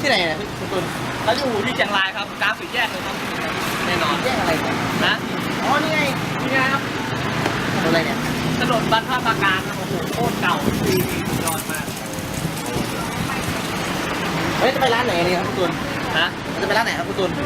ที่ไหนเนี่ยคุณตุลเราอยู่ที่เชียงรายครับกลางสี่แยกเลยครับแน่นอนแยกอะไรเนี่ยนะอ๋อนี่ไงนี่ไงครับถนนอะไรเนี่ยถนนบรรพตาการครับโอ้โหโคตรเก่าปีสุดยอดมากเฮ้ยจะไปร้านไหนเนี่ยครับคุณตุลนะจะไปร้านไหนครับคุณตุล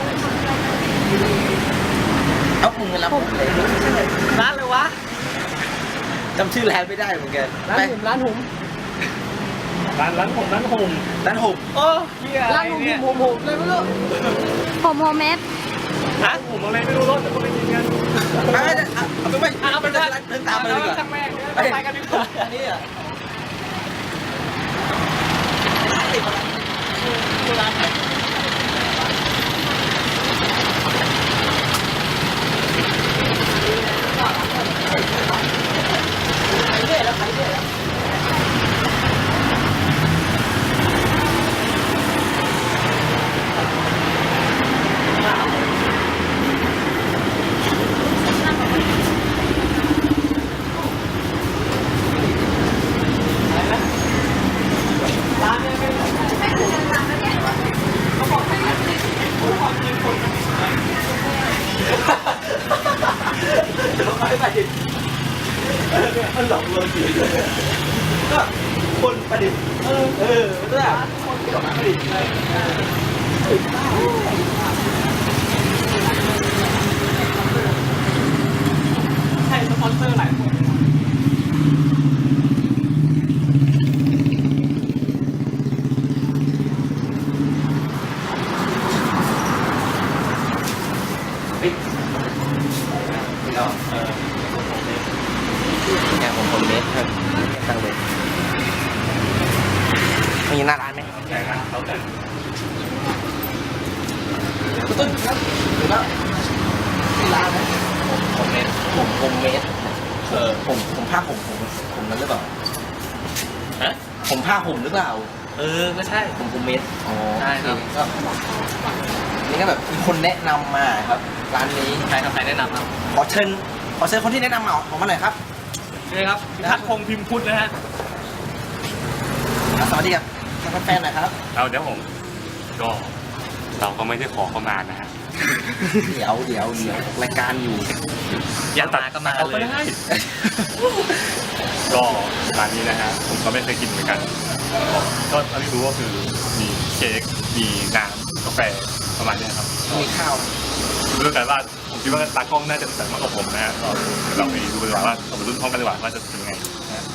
เอาคุณเงินรับผมเลยร้านเลยวะจำชื่อร้านไม่ได้เหมือนกันร้านไปหุ่มร้านหุ่มร้านผมร้านหกโอ้เฮียอะไรร้านหุ่ม เนี่ยหุ่มหุ่มเลยไม่รู้ผมโฮเมดฮะผมอะไรไม่รู้รถแต่ก็ไปกินกันไปเอาไปเอาไปเดินตามไปเลยดีกว่าช่างแม่งไปกันดีกว่าอันนี้อ่ะร้านไหนไปเรื่อยแล้วไปเรื่อยแล้วมันหลอกลวงจริงก็คนประดิษฐ์ด้วยคนที่ออกมาประดิษฐ์ใช่สปอนเซอร์หลายคนแล้วเนี่ยผมคนเมสครับตั้งเลยมีหน้าร้านไหมแต่ร้านเขาแต่คุณต้นครับถึงแล้วมีร้านไหมผมเมสผมเมสผมผ้าผมนั้นหรือเปล่าฮะผมผ้าห่มหรือเปล่าก็ใช่ผมเมสอ๋อใช่ครับก็นี่ก็แบบมีคนแนะนำมาครับร้านนี้ใครครับใครแนะนำครับขอเชิญคนที่แนะนำมาออกมาหน่อยครับนี่ครับทัดพงษ์พิมพ์พุทธนะฮะสวัสดีครับแฟนๆหน่อยครับเอาเดี๋ยวผมก็เราก็ไม่ได้ขอเขามานะฮะเดี๋ยวรายการอยู่อยากมาก็มาเอาเลก็ยได้ก็ร้านนี้นะฮะผมก็ไม่เคยกินเหมือนกันก็เท่าที่รู้ก็คือมีเค้กมีน้ำกาแฟประมาณเนี้ยครับมีข้าวรู้แต่ว่าผมคิดว่าตากล้องน่าจะแต่มากกว่าผมนะฮะก็เดี๋ยวเราไปดูดีกว่าว่าเราไปรุ่นพร้อมกันดีกว่าว่าจะเป็นยังไงนะฮะ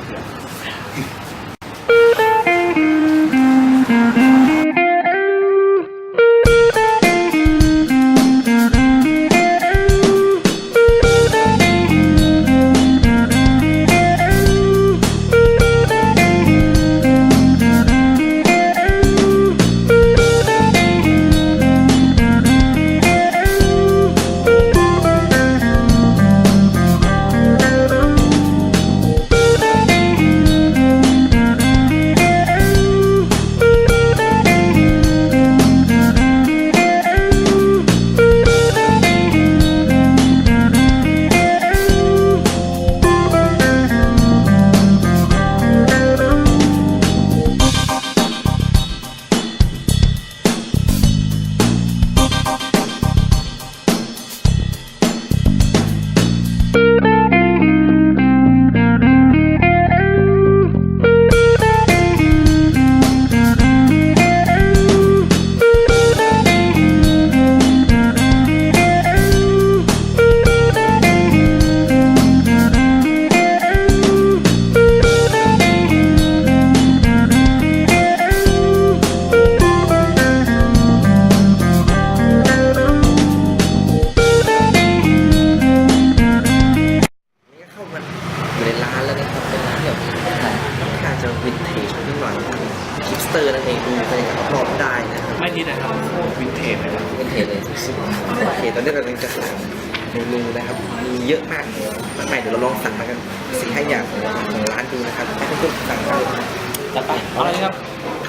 นี่เข้ามาอยู่ในร้านแล้วนะครับเป็นร้านแบบค่อนข้างจะวินเทจนิดหน่อยฮิปสเตอร์นั่นเองดูไปรอบๆได้นะครับไม่ดีนะครับวินเทจเลยครับวินเทจเลยสุดๆโอเคตอนนี้เรากำลังจะสั่งเมนูนะครับมีเยอะมากมากมายเดี๋ยวเราลองสั่งมากัน4-5 อย่างของร้านดูนะครับให้ทุกคนสั่งกันจัดไปเอาอะไรครับ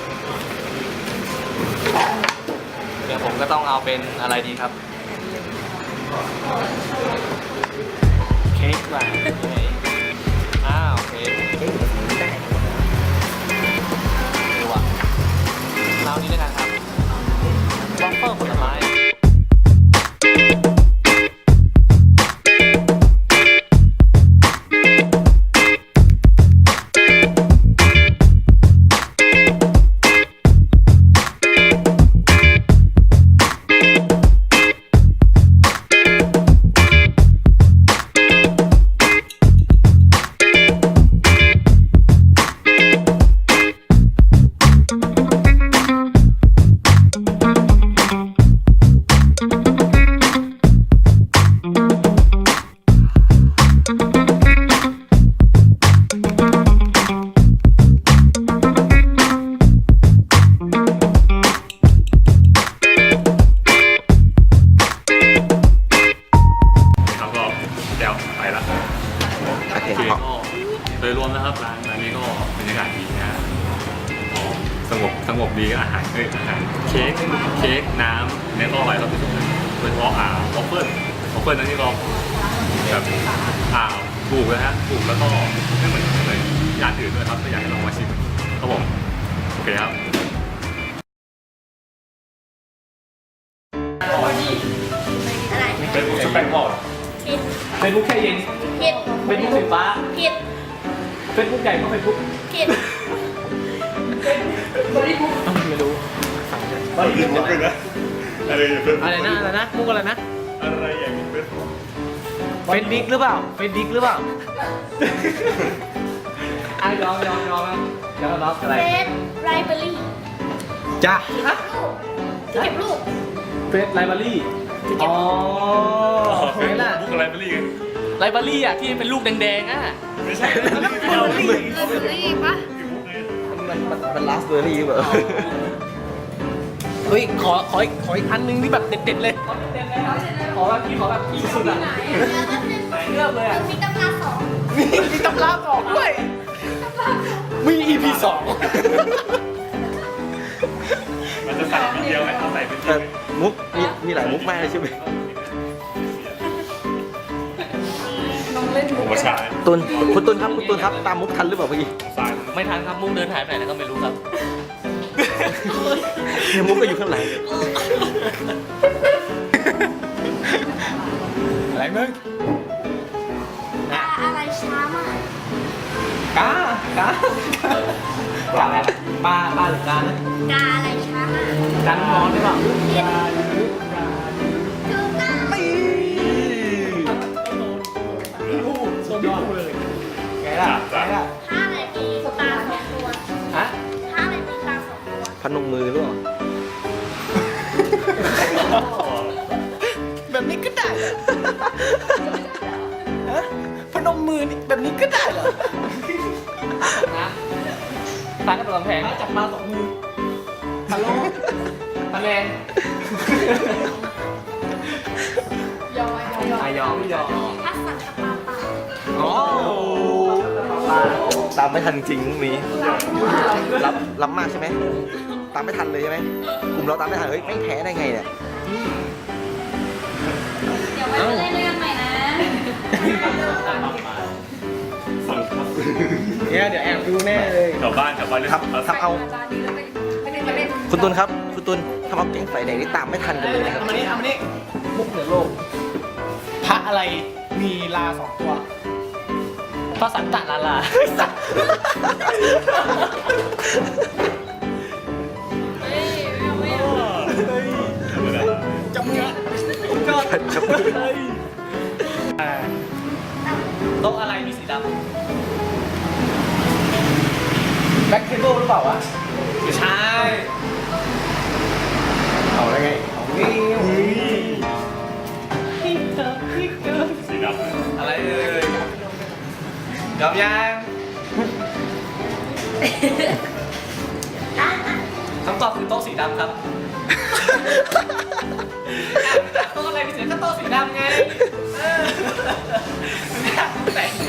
เดี๋ยวผมก็ต้องเอาเป็นอะไรดีครับ เค้กว่ะโอเคเอ๊ะแบบนี้ได้ดูว่ะเราวอฟเฟิลผลไม้ครับก็แก้วไปละโอเคโอเคพอก็โดยรวมนะครับร้านนี้ก็บรรยากาศดีนะก็สงบดีอาหารอาหารเค้กน้ำเนี่ยก็อร่อยครับที่สุดเลยโดยเฉพาะวอฟเฟิลนั้นนี่ก็แบบถูกนะฮะถูกแล้วก็ไม่เหมือนร้านอื่นด้วยครับก็อยากให้ลองมาชิมครับผมโอเคครับอะไรเป็นสเปนบอร์ดผิดเฟซบุ๊กแค่เย็นผิดเฟซบุ๊กสีฟ้าผิดเฟซบุ๊กใหญ่กว่าเฟซบุ๊กผิดไม่รู้อะไรอย่างนี้เป็นอะไรนะมุกอะไรนะอะไรอย่างนี้เป็นเฟซดิกหรือเปล่าเฟซดิกหรือเปล่ายอมครับยอมรับอะไรเฟสไรเบอรี่จ้าที่เก็บรูปเฟซไลบรารีอ๋อเฟซบุ๊กอะไรไปรีไลบรารีอ่ะที่เป็นลูกแดงๆอ่ะไม่ใช่ไรเบอรี่ปะมันลาสเบอร์รี่แบบเฮ้ยขออีกอันนึงที่แบบเด็ดๆเลยขอแบบที่สุดอ่ะไหนเลือกเลยอ่ะมีตำราสองมีตำราสองด้วยมี EP สองมันจะใส่เป็นเดียวไหมเอาใส่เป็นแต่มุกมีหลายมุกมากเลยใช่ไหมผมว่าใช่ตุนคุณตุนครับตามมุกทันหรือเปล่าเมื่อกี้ทรายไม่ทันครับมุกเดินหายไปไหนแล้วก็ไม่รู้ครับเนี่ยมุกก็อยู่ข้างหลังอะไรมึงอะไรช้ามากกาอะไรปลาหรือกานะกาอะไรช้ามากกันนอนได้ป่ะผิดถูกต้องสุดยอดเลยไงล่ะถ้าอะไรมีตาสองตัวฮะถ้าอะไรมีตาสองตัวพนมมือหรือเปล่าแบบนี้ก็ได้เหรอฮะพนมมือนี่แบบนี้ก็ได้เหรอนะตาก็ตัวแพงจับมาสองมือฮัลโหลคะแนนยอมถ้าสั่งกับปลาเปล่าอ๋อตามไม่ทันจริงมุกนี้รับมากใช่ไหมตามไม่ทันเลยใช่ไหมกลุ่มเราตามไม่ทันเฮ้ยไม่แพ้ได้ไงเนี่ยเดี๋ยวไว้เล่นด้วยกันใหม่นะเนี่ยเดี๋ยวแอบดูแน่เลยกลับบ้านเลยทำเอาคุณตุนครับคุณตุนทำเอาแก๊งไฟแดงนี่ตามไม่ทันกันเลยนะครับเอามานี่มุกเหนือโลกพระอะไรมีลาสองตัวพระสันตะลาลาจับมือก็จับมือโต๊ะอะไรมีสีดำแบ็คเทเบิลหรือเปล่าวะไม่ใช่เอาได้ไงเอาไงสีดำอะไรเอ่ยยอมยังคำตอบคือโต๊ะสีดำครับโต๊ะอะไรมีสีก็โต๊ะสีดำไงแต่ง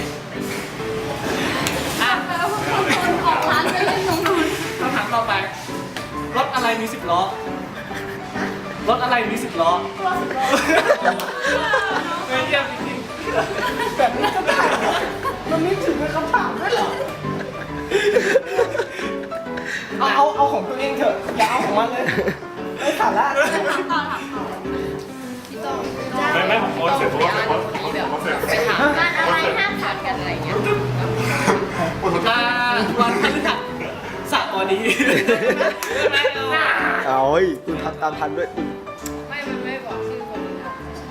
อ่ะออกร้านไปเล่นตรงนู้นคำถามต่อไปรถอะไรมี10 ล้อรถอะไรมี10 ล้อตัวสุดยอดไม่เยี่ยมจริงๆแบบนี้ก็ได้มันไม่ถึงเป็นคำถามด้วยเหรอเอาของตัวเองเถอะอย่าเอาของมันเลยไอ้ถถามละต่อถามต่อพี่โตไม่ผมโพสเสร็จผมก็โพสเสร็จงานอะไรห้ามขาดกันอะไรเงี้ยวันพฤหัสสระวันนี้ไม่เอาเอาเฮ้ยคุณทำตามทันด้วยคุณไม่มันไม่บอกชื่อคนนะ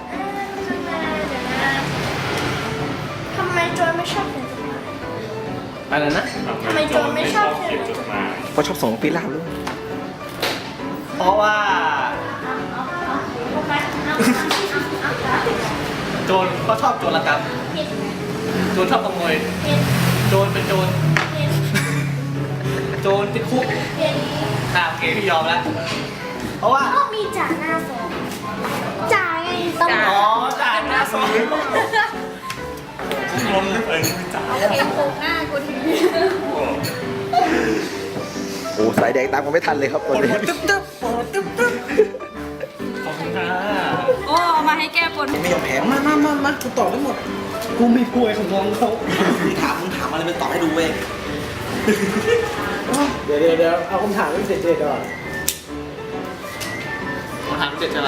ทำไมโจยไม่ชอบเขียนจดหมายอะไรนะทำไมโจรไม่ชอบเขียนจดหมายเพราะชอบส่งปีลาบด้วยเพราะว่าโจรเขาชอบโจรกรรมโจรชอบขโมยโจรเป็นโจรโจรติดคุกโอเคพี่ยอมแล้วเพราะว่าก็มีจ่าหน้าสองจ่าไงตำรอ๋อวจจ่ายหน้าสองรวมเลยไม่จ่ายเห็นโครงหน้ากูทีโอ้สายแดงตามกันไม่ทันเลยครับตอนนี้ขอบคุณค่ะโอ้เอามาให้แก้ปนไม่ยอมแพ้มากูตอบได้หมดกูมีพวยของน้องเขามึงถามอะไรเป็นตอบให้ดูเว้ยเดี๋ยวเอาคำถามที่เด็ดๆก่อนคำถามเด็ดใช่ไหม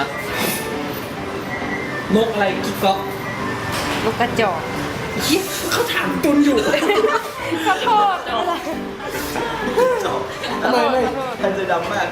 นกอะไรกิ๊กก๊อกลูกกระจอกเขาถามตุนอยู่ขอโทษอะไรไม่ทันจะดำมาก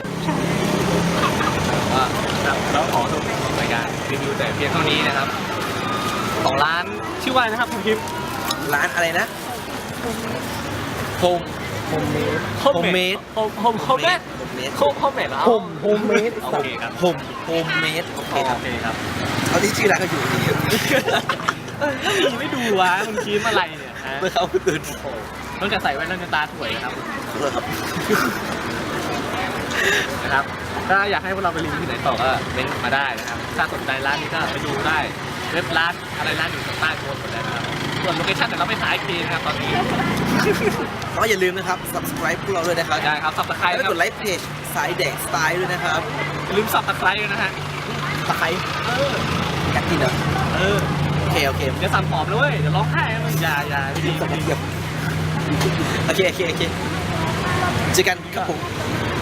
แล้วขอจบรายการรีวิวแต่เพียงเท่านี้นะครับของร้านชื่อว่านะครับคุณคิมร้านอะไรนะโฮมเมดโฮมเมดโฮมเมดโฮมเมดเหรอโฮมเมดโอเคครับโฮมเมดโอเคครับโอเคครับเอาที่ชื่อร้านก็อยู่นี่มีไม่ดูวะคุณคิมอะไรเนี่ยฮะเมื่อเขาตื่นต้องจะใส่แว่นต้องจะตาถวยนะครับครับนะครับถ้าอยากให้พวกเราไปรีวิวที่ไหนต่อก็เม้นต์มาได้นะครับถ้าสนใจร้านนี้ก็ไปดูได้เว็บร้านอะไรร้านอยู่ใต้โพสต์หมดเลยนะครับส่วนโลเคชั่นแต่เราไม่ขายทีนะครับตอนนี้ก็อย่าลืมนะครับ subscribe พวกเราด้วยนะครับได้ครับสับตะไคร้แล้วนะคกรับดไลค์เพจสายแดกสไตล์ด้วยนะครับอย่าลืมสับตะไคร้ด้วยนะฮะตะไคร้อยากกินเหรอเออโอเคโอเคเดี๋ยวสั่งผอมเลยเว้ยเดี๋ยวร้องไห้นะมันอย่าไม่ดีไม่ดีโอเคเจอกันครับผม